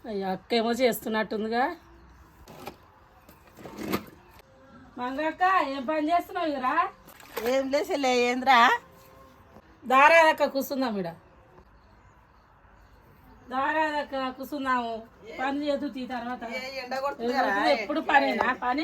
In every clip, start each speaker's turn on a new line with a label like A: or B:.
A: అయ్యో అక్క ఏమో చేస్తున్నట్టుందిగా. మంగక్క ఏం పని చేస్తున్నావు ఇరా?
B: ఏం లేసలే ఏంద్రా?
A: దారాదక్క కూర్చుందాం ఇడ. దారాదక్క కూర్చుందాము. పని చేదు తీ తర్వాత ఎప్పుడు పనేనా పని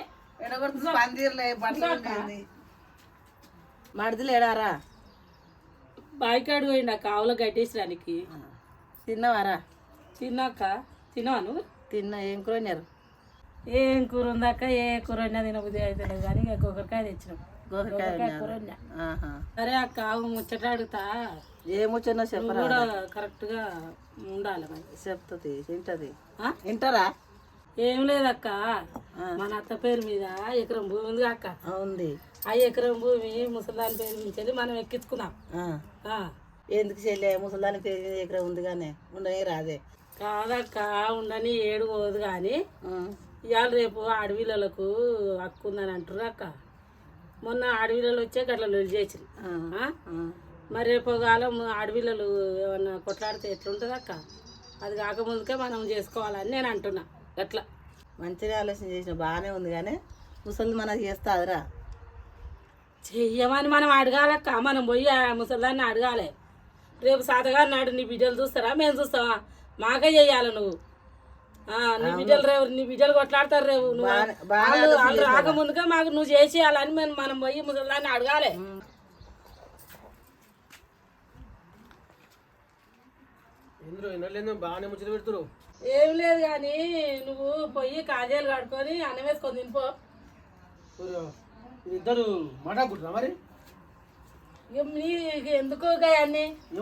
B: మడిదిలేడారా?
A: బాయికాడు పోయిండు అక్క ఆవులో కట్టేసడానికి.
B: తిన్నవారా?
A: తిన్నాక తినవా నువ్వు?
B: తిన్నా. ఏం కూరన్నారు?
A: ఏం కూర ఉందాక ఏ కూర అయినా తినబుద్ధి అవుతలేదు కానీ ఇక గొక్కడికాయ తెచ్చినాం. గొక్కడికాయ కూర వండా. సరే అక్క ఆవు ముచ్చట అడుగుతా.
B: ఏమొచ్చినా చెప్పరా?
A: కూడా కరెక్ట్గా ఉండాలి మరి.
B: చెప్తుంది వింటది. వింటారా?
A: ఏం లేదక్క, మన అత్త పేరు మీద ఎకరం భూమి ఉంది అక్క.
B: ఉంది.
A: ఆ ఎకరం భూమి ముసలాని పేరు మించి మనం ఎక్కించుకున్నాం.
B: ఎందుకు చెల్లె? ముసలాని పేరు మీద ఎకరం ఉంది కానీ ఉండని రాదే.
A: కాదక్క ఉండని ఏడు పోదు కానీ ఇవాళ రేపు అడవిలకు హక్కు ఉందని అంటారు అక్క. మొన్న అడవిలలో వచ్చే గట్ల లొల్లి చేసి మరి రేపు కాలం అడవిలలో ఏమన్నా కొట్లాడితే ఎట్లుంటుంది అక్క? అది కాకముందుకే మనం చేసుకోవాలని నేను అంటున్నా. అట్లా
B: మంచిగా ఆలోచన చేసిన బాగానే ఉంది కానీ ముసలి మనకు చేస్తాదిరా.
A: చెయ్యమని మనం అడగాలక్క. మనం పోయి ఆ ముసలిదాన్ని అడగాలి. రేపు సాతగారు నాడు నీ బిడ్డలు చూస్తారా మేము చూస్తావా? మాకే చెయ్యాలి నువ్వు. నీ బిడ్డలు కొట్లాడతారు రేపు. నువ్వు వాళ్ళు రాకముందుగా మాకు నువ్వు చేసేయాలని మనం పోయి ముసలిదాన్ని అడగాలి.
C: బాగానే ముచ్చట పెడుతురు.
A: ఏం లేదు కానీ నువ్వు పొయ్యి కాజేలు కడుక్కొని అన్నం వేసుకొని తినిపో.
C: ఇద్దరు మాట్లాడుకుంటున్నా మరి.
A: నీకు ఎందుకో అన్ని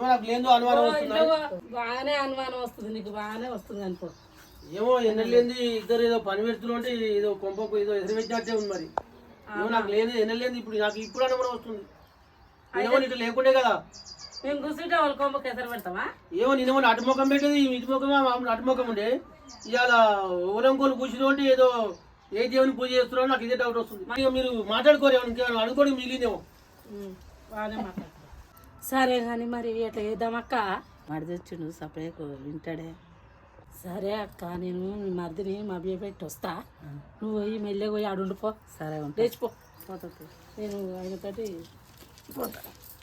A: బాగానే అనుమానం వస్తుంది. నీకు బాగానే వస్తుంది అనుకో.
C: ఏమో ఎన్నెళ్ళేంది ఇద్దరు ఏదో పని పెడుతున్నా అంటే ఏదో కొంపకు ఏదో ఎదురు పెట్టినట్టే ఉంది మరి. ఏమో నాకు లేదు ఎన్నెళ్ళేంది ఇప్పుడు నాకు ఇప్పుడు అనుమానం వస్తుంది. ఏమో ఇటు లేకుండే కదా
A: మేము కూర్చుంటే వాళ్ళ కొంపకు ఎసరు పెడతామా?
C: ఏమో నేనేమో అటుముఖం పెట్టేది ఇటు ముఖమా అటుముఖం ఉండే. ఇవాళ ఓలంకోలు కూర్చుని ఉంటే ఏదో ఏ దేవుని పూజ చేస్తున్నారో నాకు ఇదే డౌట్ వస్తుంది. మీరు మాట్లాడుకోరు ఏమన్నా అనుకోవడం మిగిలిందేమో.
A: బాగానే మాట్లాడుతున్నా. సరే కానీ మరి ఎట్లా చేద్దామక్క?
B: మడిదొచ్చుడు సపరేట్ వింటాడే.
A: సరే అక్క, నేను మీ మరిదిని మా బియ్య పెట్టి వస్తా. నువ్వు పోయి మెల్లె పోయి ఆడుండిపో.
B: సరే
A: లేచిపో. నేను ఆయనతోటి పోతా.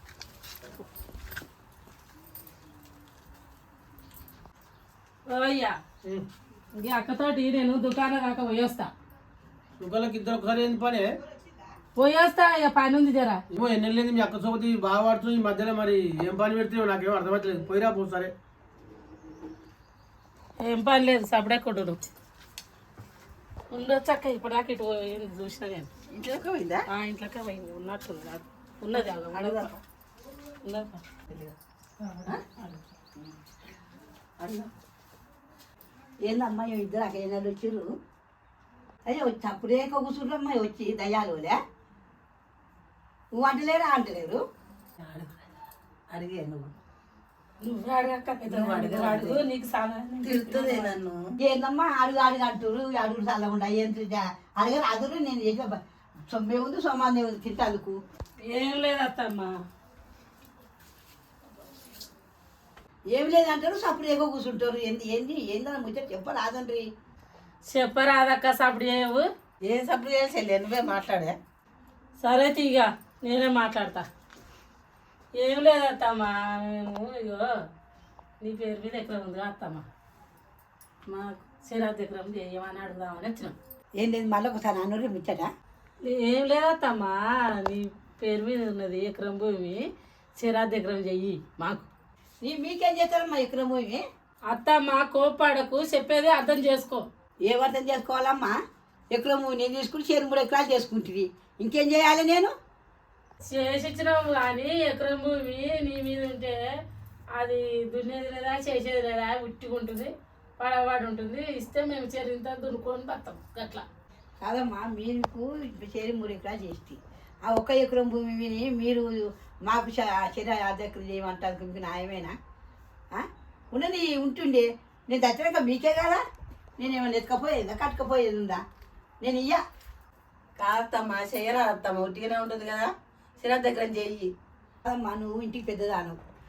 A: అయ్యా ఇంక అక్కతోటి నేను దుకాణం దాకా పోయొస్తా.
C: దుకాణానికి ఇద్దరు ఒకసారి ఏంది పని
A: పోయొస్తా. ఇక పని ఉంది జరా.
C: ఏమో ఎన్నెళ్ళేది మీ అక్క సోపతి బాగా పడుతుంది ఈ మధ్యలో. మరి ఏం పని పెడుతున్నావు నాకేమో అర్థమవుతలేదు. పోయిరా పో. సరే
A: ఏం పని లేదు. సపడే కొడు ఉండొచ్చు అక్క. ఇప్పుడు దాకా ఇటు చూసినా నేను.
B: ఇంట్లోకి పోయిందా?
A: ఇంట్లోకే పోయింది. ఉన్నట్టుంది ఉన్నది. అడగదా ఉన్నది.
B: ఏందమ్మా ఇద్దరు అక్కడ ఏనాడు వచ్చిర్రు? అయ్యో అప్పుడే కూర్చుంటామ్మా వచ్చి దయ్యాలులే. నువ్వు అంటలేరా? అంటలేరు. అడిగే నువ్వు తిడుతుంది నన్ను. ఏందమ్మా అడుగు అడుగు అంటారు. అడుగు చల్లకుండా ఏం అడగారు అదురు. నేను చేసే సొమ్మే ఉంది సొమ్మాన్నే ఉంది తింటాదుకు.
A: ఏం లేదత్తమ్మా.
B: ఏమి లేదంటారు. సప్పుడు ఎక్కువ కూర్చుంటారు. ఏంది ఏందని ముచ్చట చెప్పరాదండ్రి.
A: చెప్పరాదక్క. సప్పుడు చేయవు.
B: ఏం సప్పుడు చేయాలి? నువ్వే మాట్లాడా?
A: సరే తీగ నేనే మాట్లాడతా. ఏం లేదత్తమ్మా. నేను ఇగో నీ పేరు మీద ఎకరం ఉంది అత్తమ్మా. మా సిరాజ్ ఎకరం చేయమని అడుగుదామని వచ్చినాం.
B: ఏం లేదు మళ్ళీ ఒకసారి అన్నూరి ముచ్చట.
A: ఏం లేదత్తమ్మా. నీ పేరు మీద ఉన్నది ఎకరం భూమి. సిరాజ్ ఎకరం చెయ్యి మాకు.
B: మీకేం చేస్తారమ్మా ఎకరం భూమి?
A: అత్తమ్మా కోపాడకు, చెప్పేది అర్థం చేసుకో.
B: ఏం అర్థం చేసుకోవాలమ్మా? ఎకరం భూమి నేను తీసుకుని 3 ఎకరాలు చేసుకుంటుంది. ఇంకేం చేయాలి? నేను
A: చేసిచ్చినాము కానీ ఎకరం భూమి నీ మీద ఉంటే అది దున్నేది లేదా చేసేది లేదా ఉట్టుకుంటుంది, పడవాడు ఉంటుంది. ఇస్తే మేము చెరింత దున్నుకొని బతాం అట్లా
B: కాదమ్మా. మీకు 3 ఎకరాలు చేస్తే ఆ 1 ఎకరం భూమిని మీరు మాకు అధ్యక్షులు చేయమంటారు. మీకు న్యాయమేనా? ఉన్నది ఉంటుండే. నేను దచ్చక మీకే కదా. నేనేమన్నా ఎత్తుకపోయేదా కట్టుకపోయేది ఉందా? నేను ఇయ్యా
D: కాదమ్మా. చేయరా అత్తమ్మ ఉట్టిగానే ఉంటుంది కదా. సిరా దగ్గర చెయ్యి.
B: అమ్మా నువ్వు ఇంటికి పెద్దదాను.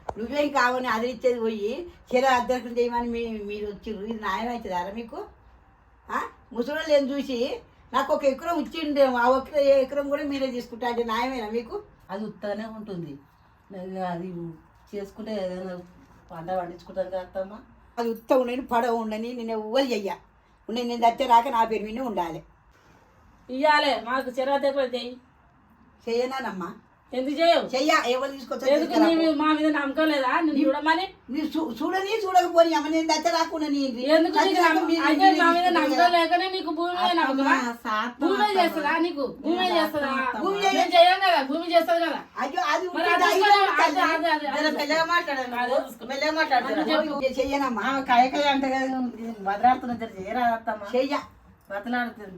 B: నువ్వేం కావని అదిరిచ్చేది పోయి చీర అద్దరికం చేయమని మీరు వచ్చిర్రు. ఇది న్యాయం అవుతుందారా మీకు? ముసలి ఏం చూసి నాకు ఒక ఎకరం ఇచ్చిండే, ఆ ఒక్క ఎకరం కూడా మీరే తీసుకుంటా అంటే న్యాయమేనా మీకు?
D: అది ఉత్తగానే ఉంటుంది. అది చేసుకుంటే ఏదైనా పంట పండించుకుంటాం కదా అత్తమ్మ.
B: అది ఉత్త ఉండని పడవ ఉండని నేను ఎవ్వరు చెయ్య ఉండే, నేను దచ్చే రాక నా పేరు మీద ఉండాలి.
A: ఇయ్యాలే మాకు చిరాకు
B: చెయ్యనానమ్మా,
A: ఎందుకు చేయవు?
B: చెయ్య ఎవరు
A: ఎందుకు
B: తీసుకొచ్చా
A: నీవు మా మీద నమ్మకం లేదా? నేను చూడమని
B: చూడని చూడకపోని అమ్మ, నేను దచ్చ రాకుండా
A: ఎందుకు అంటే మా మీద నమ్మకం లేకనే నీకు భూమి మీద నమ్మకమా? భూమి మీద చేస్తుందా నీకు? భూమి మీద చేస్తుందా? నేను చెయ్యం కదా, భూమి చేస్తుంది కదా.
B: అయ్యో అది
A: మరి అది
D: మెల్లగా మాట్లాడాను.
B: చెయ్యనమ్మా,
D: కాయకాయ అంటే కదా బదలాడుతున్నా చేయరా అత్తమ్మ.
B: చెయ్య
D: బదలాడుతుంది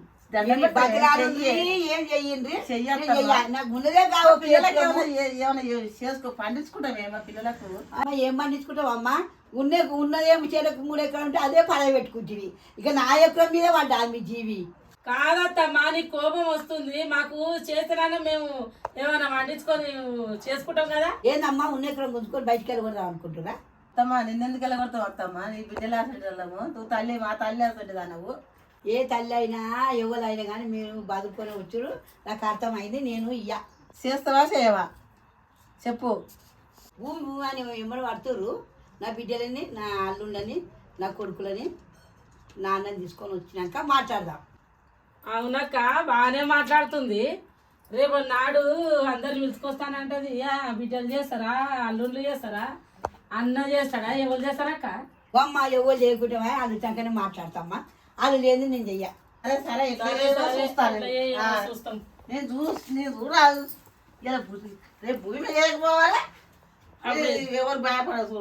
B: ఏం చెయ్యండి నాకు ముందుగా
D: ఏమైనా చేసుకో పండించుకుంటామేమో పిల్లలకు.
B: ఏం పండించుకుంటావు అమ్మా? ఉన్నదేమో చెరకు 3 ఎకరాలు ఉంటే అదే పడవ పెట్టుకుంటుంది. ఇక నా ఎకరం మీద పడ్డా మీ జీవి.
A: కాదత్తమ్మా, నీకు కోపం వస్తుంది. మాకు చేతనానే మేము ఏమైనా వండించుకొని చేసుకుంటాం కదా.
B: ఏందమ్మా ఉన్న ఎకరం గుంజుకొని బయటికి వెళ్ళకూడదాం అనుకుంటున్నా?
D: అత్తమ్మ నిన్నెందుకు వెళ్ళగొడతావు అత్తమ్మ? నీ బిడ్డలు ఆసంటి వాళ్ళము, నువ్వు తల్లి మా తల్లి ఆసంటి దానవు.
B: ఏ తల్లి అయినా ఎవరైనా కానీ మీరు బతుకొని వచ్చుడు నాకు అర్థమైంది. నేను ఇయ్య
D: చేస్తావా చేయవా చెప్పు.
B: భూమి అని ఎమ్మడి పడుతురు. నా బిడ్డలని, నా అల్లుండని, నా కొడుకులని, నాన్నని తీసుకొని వచ్చినాక మాట్లాడదాం.
A: అవునక్క, బాగానే మాట్లాడుతుంది. రేపు నాడు అందరు పిలుచుకొస్తానంటది. బిడ్డలు చేస్తారా, అల్లుళ్ళు చేస్తారా, అన్న చేస్తాడా, ఎవరు చేస్తారక్క?
B: అమ్మ ఎవరు లేకుంటే వాళ్ళు చక్కనే మాట్లాడతామ్మా. వాళ్ళు లేదు నేను చెయ్య.
D: అదే సరే చూస్తాను.
A: చూస్తాం.
D: నేను చూడరాదు. ఇలా రేపు భూమి మీద వేయకపోవాలి. ఎవరు భయపడదు.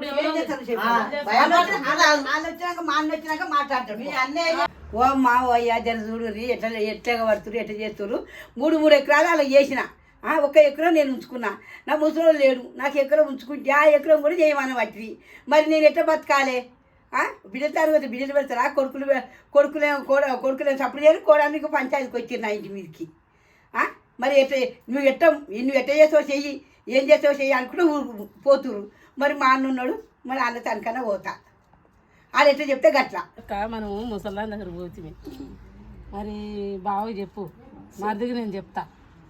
B: వచ్చినాక మా అన్న వచ్చినాక మాట్లాడతారు. మీ అన్నయ్య ఓ మా ఓ అయ్యా జర చూడు ఎట్లా పడుతురు, ఎట్లా చేస్తున్నారు. 3 ఎకరాలు అలా చేసిన. 1 ఎకరం నేను ఉంచుకున్నా. నా ముసలో లేడు, నాకు ఎకరం ఉంచుకుంటే ఆ ఎకరం కూడా చేయమని పట్టి మరి నేను ఎట్లా బతకాలి? బిడ్డల తరగతి బిడ్డలు పెడతారా? కొడుకులే సప్పుడు చేయరు, కోడానికి పంచాయతీకి వచ్చారు నా ఇంటి మీదకి. మరి నువ్వు ఎట్ట చేస్తావు చెయ్యి, ఏం చేస్తావు చెయ్యి అనుకుంటే పోతురు. మరి మా అన్న ఉన్నాడు, మరి అన్న తనకన్నా పోతా. వాళ్ళు ఎట్లా చెప్తే గట్లా.
A: మనము ముసల్దాన్ దగ్గర పోతుంది. మరి బాగా చెప్పు, మరిదికి నేను చెప్తా.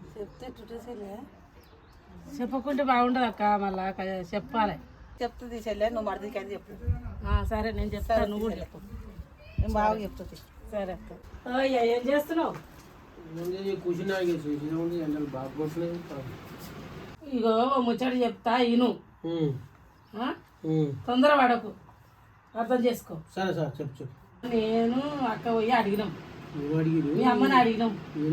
A: చెప్పకుంటే బాగుండదు అక్క, మళ్ళా చెప్పాలి.
D: చెప్తుంది చెల్లె, నువ్వు మరిదికి అని చెప్పు.
A: సరే నేను చెప్తాను, నువ్వు కూడా చెప్పు.
D: నేను బాగా చెప్తుంది.
A: సరే అక్క. ఏం చేస్తున్నావు? ఇగో ముచ్చట చెప్తా ఇను, తొందర పడకు, అర్థం చేసుకో.
C: సరే సార్ చెప్పు.
A: నేను అక్క పోయి అడిగినాం, మీ అమ్మని అడిగినాం.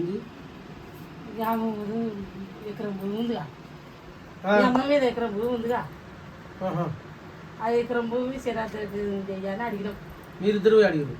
A: ఎకరం భూమి ఉందిగా, మీ అమ్మ మీద ఎకరం భూమి ఉందిగా, ఆ ఎకరం భూమి శరాద్రి చెయ్యాలని అడిగినాం.
C: మీరిద్దరు అడిగారు?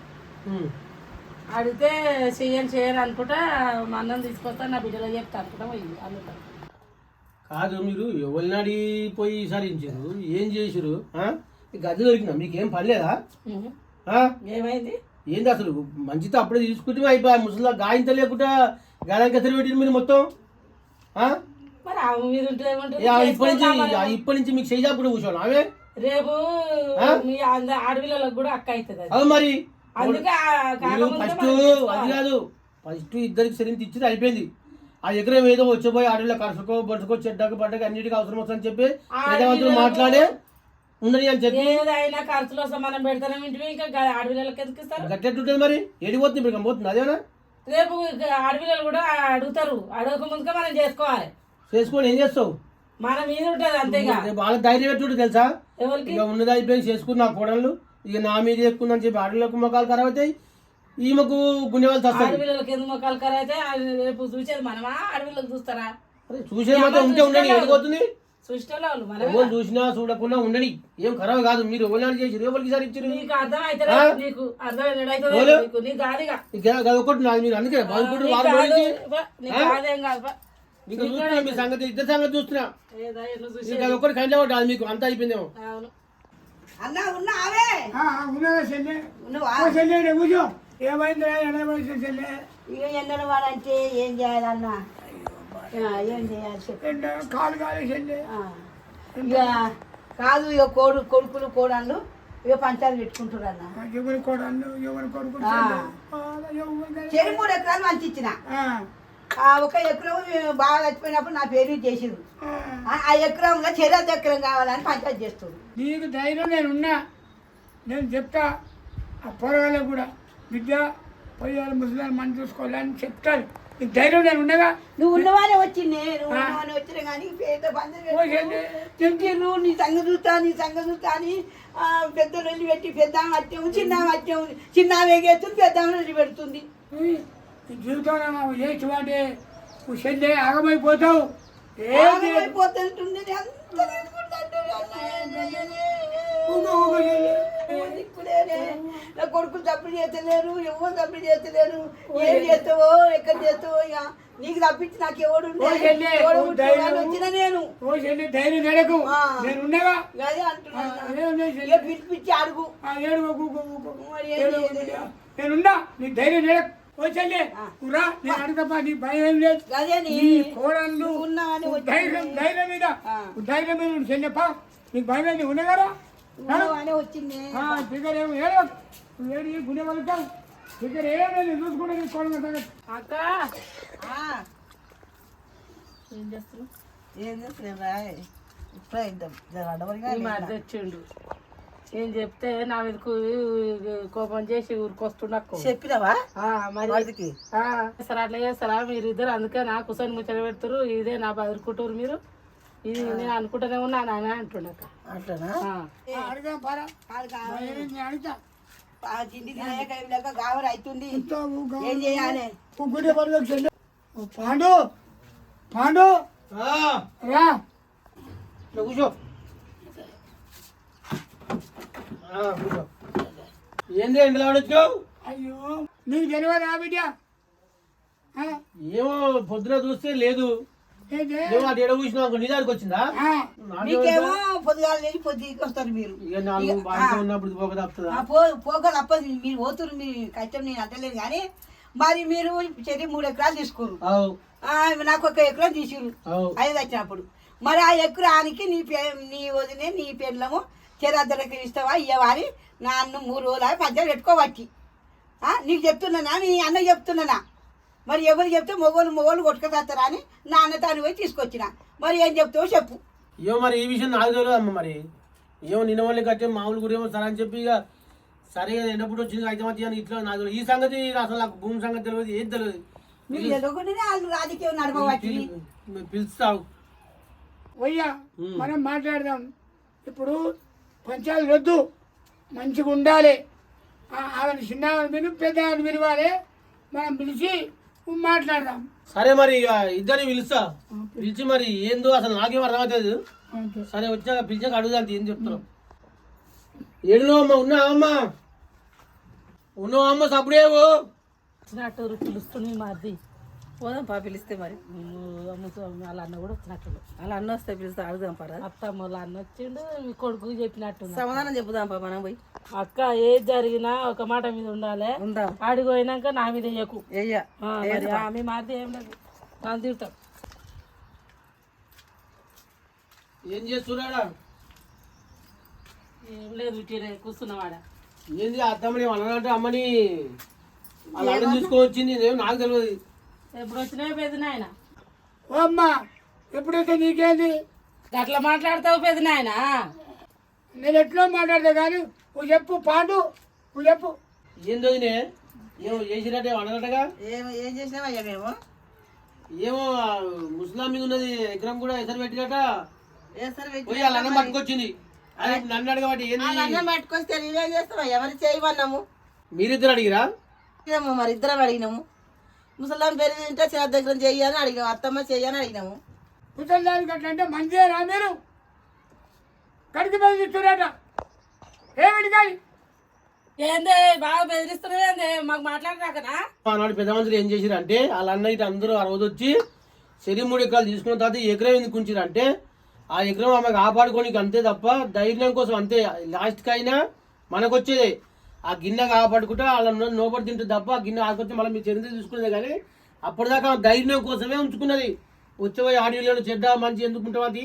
A: అడిగితే చెయ్యను అనుకుంటా మా అన్నం తీసుకొస్తా, నా బిడ్డలో చెప్తా అనుకుంటా పోయింది అందుతా.
C: కాదు, మీరు ఎవరిని అడిగిపోయి ఈసారించారు, ఏం చేసారు? గది దొరికిందా? మీకేం పని లేదా?
A: ఏమైంది?
C: ఏంది అసలు? మంచితో అప్పుడే తీసుకుంటే అయిపోయి ముసలిదా గాయంత లేకుండా గాయానికి ఎత్తలు పెట్టింది మీరు మొత్తం.
A: మరి ఆమె మీద ఉంటే
C: ఇప్పటి నుంచి మీకు చేయాప్పుడు కూర్చోవాలి ఆమె.
A: రేపు మీ ఆడపిల్లలకు కూడా అక్క అవుతుంది.
C: అది మరి
A: అందుకే
C: ఫస్ట్ అది కాదు, ఫస్ట్ ఇద్దరికి సరిగ్గా ఇచ్చింది అయిపోయింది. ఆ ఎకరం ఏదో వచ్చిపోయి ఆడపిల్ల కరుసుకో బడుచుకో చెడ్డకు పడ్డకు అన్నిటికీ అవసరం వస్తుందని చెప్పి వేదవంతులు మాట్లాడే ఉండని అని చెప్పి
A: ఏదైనా ఖర్చులో సమానం పెడతానే ఇంటివి. ఇంకా ఆడపిల్లలకి ఎందుకు ఇస్తారు?
C: గట్టెట్టుంటుంది మరి, ఏడిపోతుంది ఇప్పుడు పోతుంది అదేనా?
A: రేపు ఆడపిల్లలు కూడా అడుగుతారు, అడగక ముందుగా మనం చేసుకోవాలి.
C: చేసుకొని ఏం చేస్తావు?
A: మన మీద ఉంటుంది అంతేగా.
C: వాళ్ళ ధైర్యం పెట్టుకుంటే తెలుసా?
A: ఎవరికి
C: ఇక ఉన్నది అయిపోయి చేసుకుని నా కోడళ్ళు ఇక నా మీద ఎక్కుందని చెప్పి ఆడపిల్లకు మొక్కలు ఖరాబ్ అవుతాయి, ఈమెకు గుండె వాళ్ళు వస్తాయి.
A: ఆడపిల్లలకి ఎందుకు మొక్కలు ఖరాబ్ అయితే రేపు చూసేది మనమా? ఆడపిల్లలకు చూస్తారా?
C: చూసేది మాత్రం ఉంటే ఉండని, ఎడిపోతుంది.
A: చూసేవాళ్ళు
C: ఎవరు చూసినా చూడకుండా ఉండని, ఏం ఖరాబ్ కాదు. మీరు ఎవరు చేసి ఎవరికి సార్ ఇచ్చారు?
A: నీకు అర్థం అయితే నీకు అర్థం
C: ఒకటి నాది. మీరు అందుకే బాగుంటుంది మీకు చూస్తున్నా, మీ సంగతి ఇద్దరు సంగతి చూస్తున్నా. ఒకటి కంటే ఒకటి మీకు అంతా అయిపోయిందేమో.
B: అన్నా ఉన్నావే? ఇక ఎండల వాడంటే ఏం చేయాలన్నా? ఏం చేయాలి?
E: కాలు కాలు చెల్లి
B: ఇక కాదు ఇక కొడుకులు కోడళ్ళు ఇక పంచాలు పెట్టుకుంటారు అన్న
E: ఎవరి కొడలు ఎవరి కొడుకు
B: చెరి 3 ఎకరాలు మంచి ఇచ్చిన ఆ 1 ఎకరం బాగా చచ్చిపోయినప్పుడు నా పేరు చేసిరు ఆ ఎకరంలో చెరి ఎకరం కావాలని పంచాయతీ చేస్తారు.
E: నీకు ధైర్యం నేనున్నా, నేను చెప్తా ఆ పొరగాళ్ళకు కూడా బిడ్డ పోయాలి ముసలాన్ని మనం చూసుకోవాలని చెప్తాను. నీకు ధైర్యం నేను ఉండగా
B: నువ్వు ఉన్నవానే వచ్చింది ఉన్నవానే వచ్చినా కానీ పేద పంచారు నీ సంగ చూస్తా అని పెద్దలు వెళ్ళి పెట్టి పెద్ద వచ్చాము చిన్న వేగేస్తుంది పెద్ద పెడుతుంది.
E: నీ జీవితంలో చేసి వాటే నువ్వు చెల్లి ఆగమైపోతావు.
B: అయిపోతుంటుంది నా కొడుకులు తప్పుడు చేస్తలేరు, ఎవరు తప్పుడు చేస్తలేరు. ఏం చేస్తావో ఎక్కడ చేస్తావో ఇక నీకు తప్పించి నాకు ఎవడు వచ్చిన నేను
E: ధైర్యం నడకు నేను ఉండగా
B: అదే అంటున్నా. పిలిపించి అడుగు
E: నేనున్నా, నీ ధైర్యం నడకు. ఓ చెల్లి రా, నేను అడుగుతా, నీ భయం ఏం లేదు. కోడళ్ళు ధైర్యం మీద చెల్లెప్ప నీకు భయం ఏంది ఉండగారా
B: వచ్చింది
E: దగ్గర ఏమో ఏడో ఏడు గుండె పలుతావు దగ్గర ఏమేమి చూసుకుంటే నీ కోడలు
A: అక్క ఏం చేస్తున్నావు?
D: ఏం చేస్తున్నా ఇప్పుడే అడవరిగా
A: ఈ మధ్య వచ్చిండు. నేను చెప్తే నా మీదకు కోపం చేసి ఊరికొస్తుండకు
D: చెప్పినావా
A: మరి
D: వాడికి?
A: సరే అట్లా చేస్తారా మీరు ఇద్దరు? అందుకే నా కుసని ముచ్చట పెడతారు. ఇదే నా బదులుకుంటారు మీరు. ఇది నేను అనుకుంటూనే ఉన్నా నాన్న అంటుండక.
D: అట్లనా?
E: అడుగుదాం పారా అడుగుతా
B: తిండి తినలేక గావర అవుతుంది. ఏం చేయాలి?
E: గుండె పనులకు చెల్లి పాండు పాండు రా
C: కూర్చో. ఏంది ఎండలో వచ్చావు?
E: అయ్యో నీకు తెలియదా బిడ్డ?
C: ఏమో పొద్దున చూస్తే లేదు, అటు ఎడ కూర్చున్నావు నిజానికి వచ్చిందా?
B: మీకేమో పొద్దుగాలు లేచి పొద్దుకి వస్తారు మీరు.
C: ఇక 4 బాగా ఉన్నప్పుడు పోక తప్పుతుందా?
B: పోక తప్పదు. మీరు పోతురు, మీ కష్టం నేను అంటలేదు కానీ మరి మీరు చెరి 3 ఎకరాలు తీసుకోరు, నాకు 1 ఎకరం తీసిరు 5 వచ్చినప్పుడు. మరి ఆ ఎకరానికి నీ వదినే నీ పెళ్ళము చెరద్దరికి ఇస్తావా ఇవ్వవా అని నన్ను 3 రోజులు పంచాలు పెట్టుకోబట్టి నీకు చెప్తున్నానా నీ అన్న చెప్తున్నానా? మరి ఎవరు చెప్తే మొగోళ్ళు కొట్టుకొస్తారా అని నా అన్న తాను పోయి తీసుకొచ్చిన. మరి ఏం చెప్తావో చెప్పు.
C: ఏమో మరి ఈ విషయం నాకు తెలియదు అమ్మ. మరి ఏమో నిన్న వాళ్ళకి కట్టే మామూలు కూడా ఏమో సరే అని చెప్పి ఇక సరే ఎండప్పుడు వచ్చింది అయితే మధ్య ఇట్లా నాకు ఈ సంగతి అసలు నాకు భూమి సంగతి తెలియదు, ఏది తెలియదు.
B: మీరు ఎదుగుంటేనే వాళ్ళు రాజకీయం నడపబట్టి
C: పిలుస్తావు.
E: వయ్యా మనం మాట్లాడదాం. ఇప్పుడు పంచాయతీ వద్దు, మంచిగా ఉండాలి. ఆమెను చిన్న విను పెద్ద వినవాలి. మనం పిలిచి మాట్లాడదాం.
C: సరే మరి ఇక ఇద్దరిని పిలుస్తా. పిలిచి మరి ఏందో అసలు నాకేం అర్థమవుతుంది. సరే వచ్చాక పిలిచాక అడుగుదాంతి ఏం చెప్తున్నావు. ఏడునో అమ్మ ఉన్నావమ్మా? ఉన్నావమ్మ? సప్పుడేవో
A: వచ్చినట్టు పిలుస్తుంది మాది.
D: పోదాం పా పిలిస్తే మరి.
A: వాళ్ళ అన్న కూడా వచ్చినట్టు.
D: అలా అన్న వస్తే పిలిస్తే అడుగుదాం పరా.
A: అత్తమ్మ వాళ్ళ అన్న వచ్చిండు, మీ కొడుకు చెప్పినట్టు.
D: సమాధానం చెప్పుదాం పా మనం పోయి.
A: అక్క ఏది జరిగినా ఒక మాట మీద ఉండాలి.
D: ఉందాం.
A: ఆడికి పోయినాక నా మీద వేయకు.
D: ఏయ్యా
A: ఆమె మారితే ఏం లేదు, నాకు తింటాం.
C: ఏం చేస్తున్నాడా?
A: ఏం లేదు ఇటీరే కూర్చున్నవాడ.
C: ఏంది అత్తమ్మని అన్నదంటే అమ్మని వాళ్ళ అన్న తీసుకొని ఏమో నాకు తెలియదు.
A: ఎప్పుడు వచ్చినాయి పెద్దనాయన?
E: ఓ అమ్మా ఎప్పుడైతే నీకేంది
A: అట్లా మాట్లాడతావు పెద్దనాయన?
E: నేను ఎట్లా మాట్లాడతా కానీ నువ్వు చెప్పు పాండు, నువ్వు చెప్పు.
C: ఏందో ఏమో చేసినట్టే అన్నదటగా.
D: ఏం చేసినావయ్యా మేము?
C: ఏమో ముస్లాం మీద ఉన్నది ఎకరం కూడా ఎసరు పెట్టినట. పోయి వాళ్ళ అన్నం పట్టుకొచ్చింది. అదే నన్ను అడగబట్టి ఏంది
D: అన్నం పట్టుకొస్తే నేనేం చేస్తావయ్యా? మరి చేయమన్నాము.
C: మీరిద్దరు అడిగిరా?
D: మరి ఇద్దరం అడిగినాము. ముసలాం పేరు తింటే చిన్న దగ్గర చెయ్యని అడిగాము, అత్తమ్మ చెయ్యని అడిగినాము.
E: ముసలిదానికి అట్లా అంటే మంచిదేనా? మీరు కడికి బెదిరిస్తున్నారట. ఏమిటి కానీ
A: ఏందే బాగా బెదిరిస్తున్నావేందే? మాకు మాట్లాడరాకనా?
C: ఆనాడు పెద్ద మనుషులు ఏం చేసిరు అంటే వాళ్ళ అన్న ఇటు అందరూ ఆ రోజు వచ్చి చెరి 3 ఎకరాలు తీసుకున్న తర్వాత ఈ ఎకరం ఎందుకు ఉంచిరు అంటే ఆ ఎకరం ఆమె కాపాడుకోనికి అంతే తప్ప ధైర్యం కోసం అంతే. లాస్ట్కి అయినా మనకు వచ్చేదే ఆ గిన్నె కాపాడుకుంటే వాళ్ళ నోపడి తింటుంది తప్ప ఆ గిన్నె ఆడుకొచ్చి మళ్ళీ మీ చరిత్ర తీసుకునేది. కానీ అప్పటిదాకా ధైర్యం కోసమే ఉంచుకున్నది. వచ్చేపోయి ఆడియోలో చెడ్డ మంచి ఎందుకుంటాం అది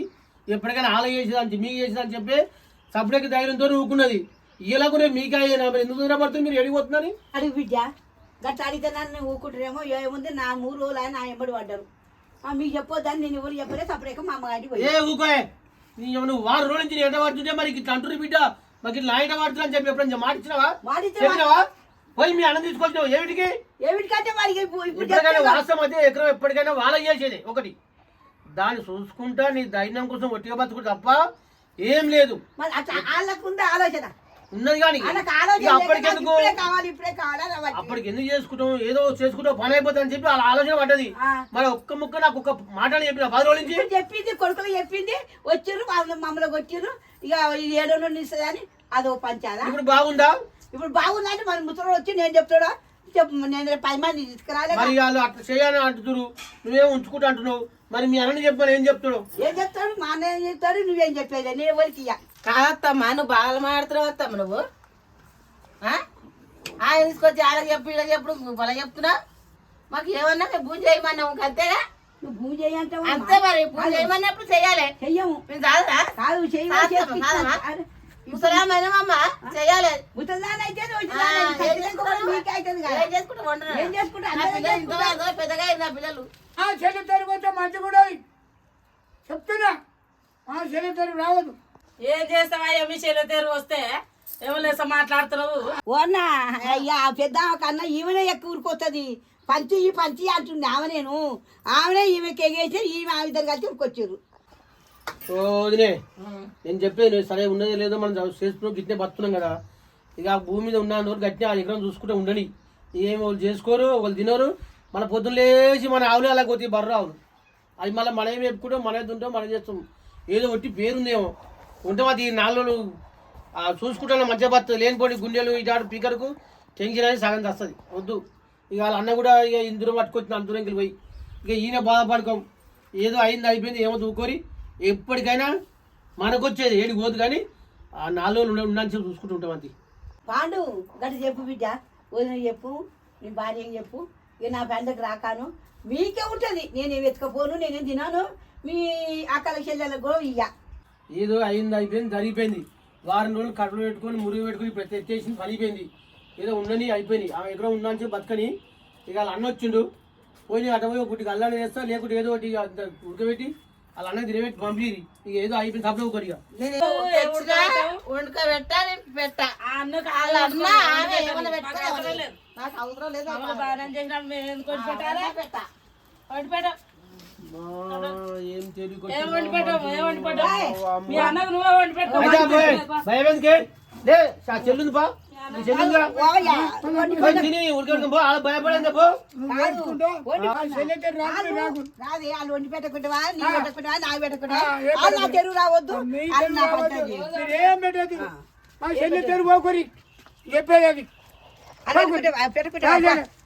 C: ఎప్పటికైనా ఆల చేసేదాన్ని మీకు చేసేదని చెప్పి సపరేట్ ధైర్యంతో ఊకున్నది. ఇలా కూడా మీకు అయ్యేనా మరి ఎందుకు దూరపడుతుంది మీరు ఎడిపోతున్నారని
B: అడుగు బిడ్డ గట్లా అడిగితే నన్ను ఊకుంటారేమో ఏముంది నా 3 రోజులు ఆయన నా ఎంబడి పడ్డారు మీకు చెప్పొద్దని నేను ఎవరు చెప్పలే సపరేట్ మా అమ్మగారికి పోయి
C: ఏ ఊకోయే నువ్వు 6 రోజుల నుంచి ఎట పడుతుంటే మరి ఇట్లా అంటున్నారు బిడ్డ మాకు ఇట్లా ఆయన పడుతున్నా అని చెప్పి ఎప్పుడైనా మాట ఇచ్చినావా పోయి మీ అన్నం తీసుకొచ్చినావు
B: ఏమిటికంటే మరి
C: ఎప్పటికైనా వాస్తవం అయితే ఎకరం ఎప్పటికైనా వాళ్ళ చేసేది ఒకటి దాన్ని చూసుకుంటా నీ ధైర్యం కోసం ఒట్టిగా బతుకుంటా తప్ప ఏం లేదు.
B: వాళ్ళకు ఉంది ఆలోచన
C: ఉన్నది కానీ అప్పటికెందుకు అప్పటికి ఎందుకు చేసుకుంటాం ఏదో చేసుకుంటాం పని అయిపోతుంది అని చెప్పి వాళ్ళ ఆలోచన పడ్డది. మరి ఒక్క ముక్క నాకు ఒక్క మాటలు చెప్పిన 10 రోజుల నుంచి
B: చెప్పింది కొడుకులు చెప్పింది వచ్చిర్రు మమ్మల్ని కొట్టిర్రు ఇక 7 రోజులు ఇస్తుంది అని అదో పంచాలా
C: ఇప్పుడు బాగుందా
B: ఇప్పుడు బాగుందంటే మరి ముసలు వచ్చి నేను చెప్తాడా నేను 10 మంది తీసుకురాలే
C: మరి వాళ్ళు అట్లా చేయాలని అంటున్నారు నువ్వేం ఉంచుకుంటా అంటున్నావు మరి మీ అన్నని చెప్పాను ఏం చెప్తాడు
B: మా అన్న ఏం చెప్తాడు నువ్వేం చెప్పేది నేను ఎవరికి ఇయ్య
D: కాదత్తమ్మా నువ్వు బాగా మాడుతున్నావు వస్తాము నువ్వు ఆయన తీసుకొచ్చి వాళ్ళకి చెప్పి ఇలా చెప్పుడు బల చెప్తున్నా మాకు ఏమన్నా మేము పూజ చేయమన్నాము అంతేగా
B: నువ్వు భూమి చేయంటే
D: అంతే మరి పూజ చేయమన్నప్పుడు చెయ్యాలి
B: చెయ్యము
D: మేము కాదురా
B: కాదు
D: ముసలామమ్మ చెయ్యాలి పెద్దగా నా పిల్లలు
E: చెల్లి తరిగితే మంచి కూడా చెప్తున్నా చెల్లి తరుగు రావద్దు.
A: ఏం చేస్తావా మీ చెల్లెతేరు వస్తే ఏమలేసా మాట్లాడుతున్నావు
B: ఓనా అయ్యా పెద్ద కన్నా ఈమెనే ఎక్కువ ఊరుకొస్తుంది పంచి అంటుంది ఆమెనే ఈమెకి ఎగేసి ఈమె ఆ విధంగా కలిసి ఊరుకొచ్చారు.
C: వదినే నేను చెప్పేది సరే ఉన్నది లేదో మనం చేసుకున్నాం గిట్నే బతున్నాం కదా ఇక ఆ భూమి మీద ఉన్న గట్టిన ఆ ఎకరం చూసుకుంటే ఉండని ఏమి వాళ్ళు చేసుకోరు వాళ్ళు తినరు మన పొద్దున్న లేచి మన ఆవులు అలా కొద్ది బర్ర ఆవులు అది మళ్ళీ మనం చెప్పుకుంటాం మనమే తింటాం మనం చేస్తాం ఏదో ఒట్టి పేరుందేమో ఉంటాం అది 4 రోజులు చూసుకుంటాను మధ్య బతు లేనిపోయి గుండెలు ఇటాడు పీకర్కు టెన్షన్ అనేది సగం వస్తుంది వద్దు. ఇక వాళ్ళ అన్న కూడా ఇక ఇందులో పట్టుకొచ్చిన అంతురంకి పోయి ఇక ఈయన బాధపడుకోం ఏదో అయింది అయిపోయింది ఏమో దూకోరి ఎప్పటికైనా మనకు వచ్చేది ఏడికి పోదు కానీ ఆ 4 రోజులు ఉండని చెప్పి చూసుకుంటూ ఉంటాం అది.
B: పాండు గట్టి చెప్పు బిడ్డ వదిన చెప్పు నీ భార్య చెప్పు ఇక నా పెండకు రాకాను మీకే ఉంటుంది నేనేం వెతకపోను నేనేం తినాను మీ అక్కల చెల్లెలకు కూడా ఇయ్య
C: ఏదో అయింది అయిపోయింది జరిగిపోయింది 2 రోజులు కడుపులు పెట్టుకొని మురుగు పెట్టుకుని ఇప్పుడు తెచ్చేసింది పనిపోయింది ఏదో ఉండని అయిపోయింది ఆ ఎకరం ఉన్నాను చెప్పి బతకని ఇక వాళ్ళ అన్న వచ్చిండు పోయి అటు పోయి ఒకటి అల్లాన్ని వేస్తా లేకుంటే ఏదో ఒకటి ఉడకబెట్టి వాళ్ళ అన్న తినబెట్టి పంపిరి ఇక ఏదో అయిపోయింది తప్పదు ఒకటిగా
D: పెట్టాలి పెట్టా నాకు అవసరం లేదు
C: ఏం తెలియదు
A: మీ అన్నకు నువ్వే వండి పెట్టు
C: భయమేందుకే లే చెల్లుంది పా తిని ఉడకబెట్టుకుని పో అలా భయపడేది పో
B: రాదే వాళ్ళు వండి పెట్టకుంటావా నీ పెట్టకుంటావా నాకు పెట్టకుంటావా నా తెరువు రావద్దు
E: ఏం పెట్టేది చెల్లి తెరుగు పోకరి చెప్పేది అది
B: పెట్టుకుంటా